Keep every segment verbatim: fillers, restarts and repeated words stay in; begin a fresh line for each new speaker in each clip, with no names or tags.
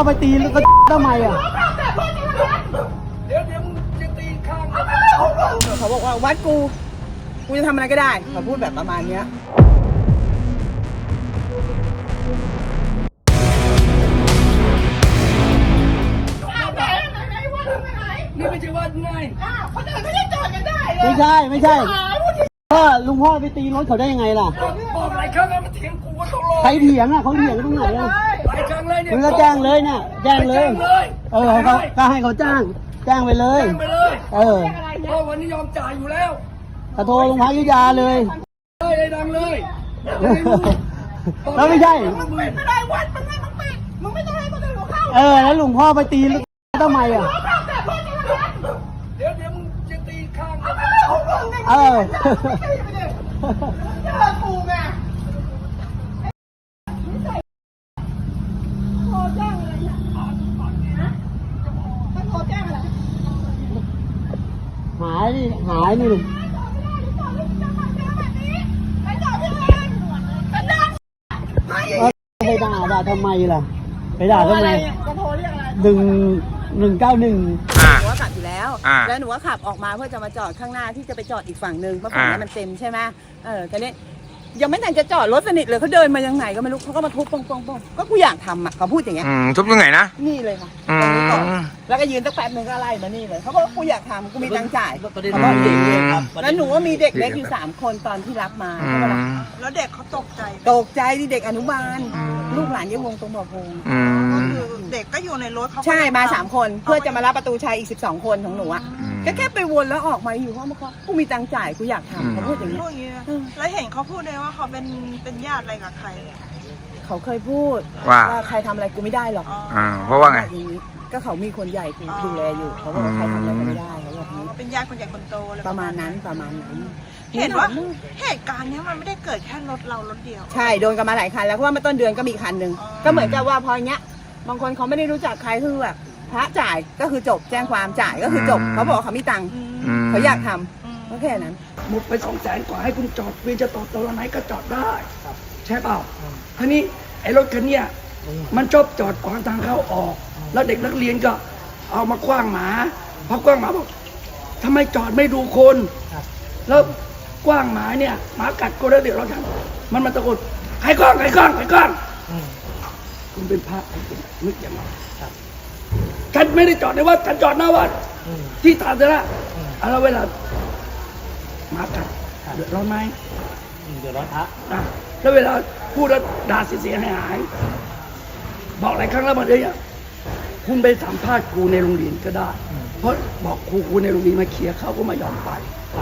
ไปตีแล้วก็ทำไมอ่ะ
เดี๋ยวเดี๋ยวมึงจะตีข้าง
เขาบอกว่าวัดกูกูจะทำอะไรก็ได้เขาพูดแบบประมาณเนี้ย
นี่ไม่ใช่วัดไง
คนอื่นไม่ได้จอดกันได้เลย
ไม่ใช่ไม่ใช่พ่อลุงพ่อไปตีรถเขาได้ยังไงล่ะ
บอกหลายครั้งแล้วมาเถียงกูก็ต้องรอ
ใครเถียงอ่ะเขาเถียงตรงไหนอ่ะ
หลายครั้งเลยเนี่ย
มึงก็แจ้งเลยเนี่ยแจ้งเลยเออเขาก็ให้เขาจ้างแจ้งไปเลย
แจ้งไปเลย
เออ
เพราะวันนี้ยอมจ่ายอยู่แล้ว
กระโทรลงพักยุยาเลย
เลยเลยดังเลย
แล้วไม่ใช่
ไม่ได้วัดมันให้มึงปิดมึงไม่ต้องให้คนอื่นเขาเข้า
เออแล้วลุงพ่อไปตีแล้วทำไมอ่ะ
เดี๋ยวเดี๋ยวมึงจะตีข้าง
เออ
เจอกูไงโทรแจ้งอะไรเนี่ยต้องโทรแจ้งอะไร
หายนี่หายนี่ลุงไปด่าด่าทำไมล่ะไปด่าทำไมหนึ่งหนึ่งเก้าหนึ่ง
หนูว่าขับอยู่แล้วแล้วหนูว่าขับออกมาเพื่อจะมาจอดข้างหน้าที่จะไปจอดอีกฝั่งหนึ่งเพราะฝั่งนี้มันเต็มใช่ไหมเออตอนนี้ยังไม่ทันจะจอดรถสนิทเลยเขาเดินมายังไงก็ไม่รู้เขาก็มาทุบปองปองปองก็กูอยากทำอ่ะเขาพูดอย่างเงี้ย
ทุบยังไงนะ
นี่เลยค่ะตรงนี้ก่อนแล้วก็ยืนตั้งแป๊บนึงก็ไล่มานี่เลยเขาบอกกูอยากทำกูมีตังค์จ่ายเขาบอกเด็กครับแล้วหนูว่ามีเด็กเล็กอยู่สามคนตอนที่รับมาใช่ไหมล่ะแล้วเด็กเขาตกใจตกใจที่เด็กอนุบาลลูกหลานยังวงตรงบ่อพงก็คือเด็กก็อยู่ในรถเขาใช่มาสามคนเพื่อจะมารับประตูชัยอีกสิบสองคนของหนูอ่ะก็แค่ไปวนแล้วออกมาอยู่ห้องมาเขากูมีตังค์จ่ายกูอยากทำเขาพูดอย่างนี้
แล้วเห็นเขาพูดเลยว่าเขาเป็นเป็นญาติอะไรกับใคร
เขาเคยพูดว่าใครทำอะไรกูไม่ได้หรอก
อ่าเพราะว่าไง
ก็เขามีคนใหญ่กูดูแลอยู่เขาบอกว่าใครทำอะไรก็ไม่ได้เขาบอกนี้
เป็นญาติคนใหญ่คนโตเลย
ประมาณนั้นประมาณนั้น
เห็นว่าเหตุการณ์นี้มันไม่ได้เกิดแค่รถเรารถเดียว
ใช่โดนกันมาหลายคันแล้วเพราะว่าเมื่อต้นเดือนก็มีคันหนึ่งก็เหมือนกับว่าพอเนี้ยบางคนเขาไม่ได้รู้จักใครคือแบบพระจ่ายก็คือจบแจ้งความจ่ายก็คือจบเขาบอกเขามีตังค์เขาอยากทำก็แค่นั้น
หมดไปสองแสนกว่าให้คุณจอดเวียนจะต่อตัวไหนก็จอดได้ใช่เปล่าทีนี้ไอ้รถคันนี้มันชอบจอดขวางทางเข้าออกแล้วเด็กนักเรียนก็เอามาคว้างหมาพอกว้างหมาบอกทำไมจอดไม่ดูคนแล้วกว้างหมาเนี่ยหมากัดก็ได้เดือดร้อนกันมันมาตะโกนใครกล้องใครกล้องใครกล้องคุณเป็นพระคุณนึกอย่างไรฉันไม่ได้จอดในวัดฉันจอดหน้าวัดที่ตาเจระแล้วเวลาหมากัดเดือดร้อนไหม
เดือดร้อนพระ
แล้วเวลาพูดแล้วด่าเสียหายหายบอกหลายครั้งแล้วมาเลยอ่ะคุณไปสัมภาษณ์ครูในโรงเรียนก็ได้เพราะบอกครูครูในโรงเรียนมาเคลียร์เขาก็ไม่ยอมไป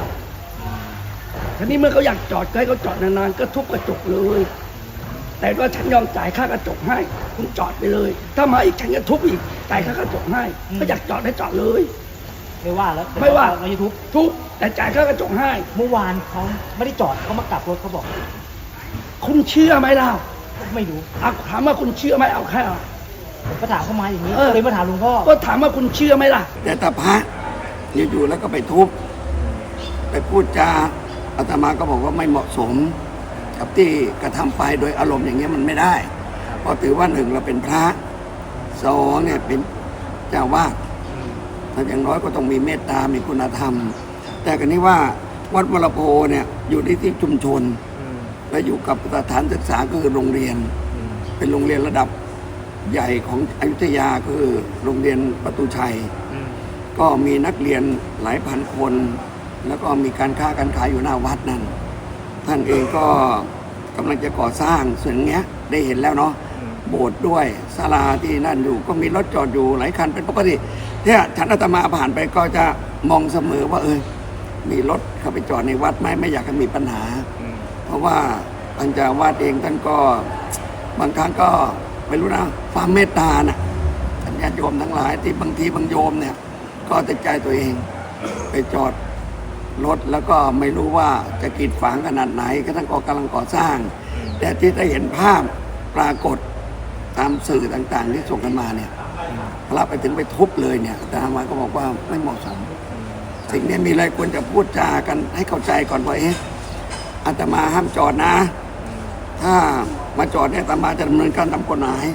ทีนี้เมื่อเขาอยากจอดให้เขาจอดนานๆก็ทุบกระจกเลยแต่ว่าฉันยอมจ่ายค่ากระจกให้คุณจอดไปเลยถ้ามาอีกฉันจะทุบอีกจ่ายค่ากระจกให้ก็อยากจอดให้จอดเลย
ไม่ว่าแล้ว
ไม่ว่า
เราจะทุบ
ทุบแต่จ่ายค่ากระจกให้
เมื่อวานเขาไม่ได้จอดเขามากลับรถเขาบอก
คุณเชื่อไหมล่ะ
ไม่รู้
เอาถามว่าคุณเชื่อไหมเอาแค่
ผมก็ถามเขามาอย่างนี้เลยมาถามหลวงพ่อ
ก็ถามว่าคุณเชื่อไหมล่ะ
แต่ตาพระอยู่ๆแล้วก็ไปทุบไปพูดจาอาตมาก็บอกว่าไม่เหมาะสมกับที่กระทำไปโดยอารมณ์อย่างเงี้ยมันไม่ได้เพราะถือว่าหนึ่งเราเป็นพระสองเนี่ยเป็นเจ้าวาดถ้าอย่างน้อยก็ต้องมีเมตตามีคุณธรรมแต่กันนี้ว่าวัดวรโพเนี่ยอยู่ที่ที่ชุมชนและอยู่กับสถานศึกษาก็คือโรงเรียนเป็นโรงเรียนระดับใหญ่ของอยุธยาคือโรงเรียนประตูชัยก็มีนักเรียนหลายพันคนแล้วก็มีการค้าการขายอยู่หน้าวัดนั่นท่านเองก็กำลังจะก่อสร้างส่วนเงี้ยได้เห็นแล้วเนาะโบสถ์ด้วยศาลาที่นั่นอยู่ก็มีรถจอดอยู่หลายคันเป็นปกติเนี่ยฉันอาตมาผ่านไปก็จะมองเสมอว่าเออมีรถเข้าไปจอดในวัดไหมไม่อยากให้มีปัญหาเพราะว่าท่านเจ้าวาดเองท่านก็บางครั้งก็ไม่รู้นะความเมตตานะท่านญาติโยมทั้งหลายที่บางทีบางโยมเนี่ยก็ติดใจตัวเองไปจอดรถแล้วก็ไม่รู้ว่าจะกีดฝังขนาดไหนก็ท่านก็กำลังก่อสร้างแต่ที่ได้เห็นภาพปรากฏตามสื่อต่างๆที่ส่งกันมาเนี่ยพระไปถึงไปทุบเลยเนี่ยแต่อาตมาก็บอกว่าไม่เหมาะสมสิ่งนี้มีอะไรควรจะพูดจากันให้เข้าใจก่อนว่าเอ๊ะอาตมาห้ามจอดนะถ้ามาจอดเนี่ยอาตมาจะดำเนินการตามกฎหมาย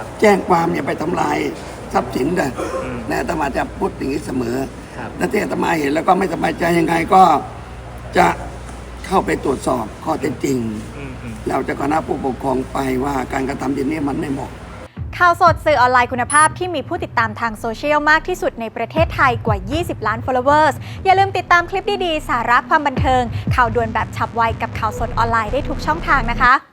แจ้งความอย่าไปทำลายทรัพย์สินเลยนะอาตมาจะพูดอย่างนี้เสมอและที่อาตมาเห็นแล้วก็ไม่สบายใจยังไงก็จะเข้าไปตรวจสอบข้อเท็จจริงเราจะคณะผู้ปกครองไปว่าการกระทำอย่างนี้มันไม่เหมาะ
ข่าวสดสื่อออนไลน์คุณภาพที่มีผู้ติดตามทางโซเชียลมากที่สุดในประเทศไทยกว่า ยี่สิบ ล้าน followers อย่าลืมติดตามคลิปดีๆ สาระความบันเทิง ข่าวด่วนแบบฉับไวกับข่าวสดออนไลน์ได้ทุกช่องทางนะคะ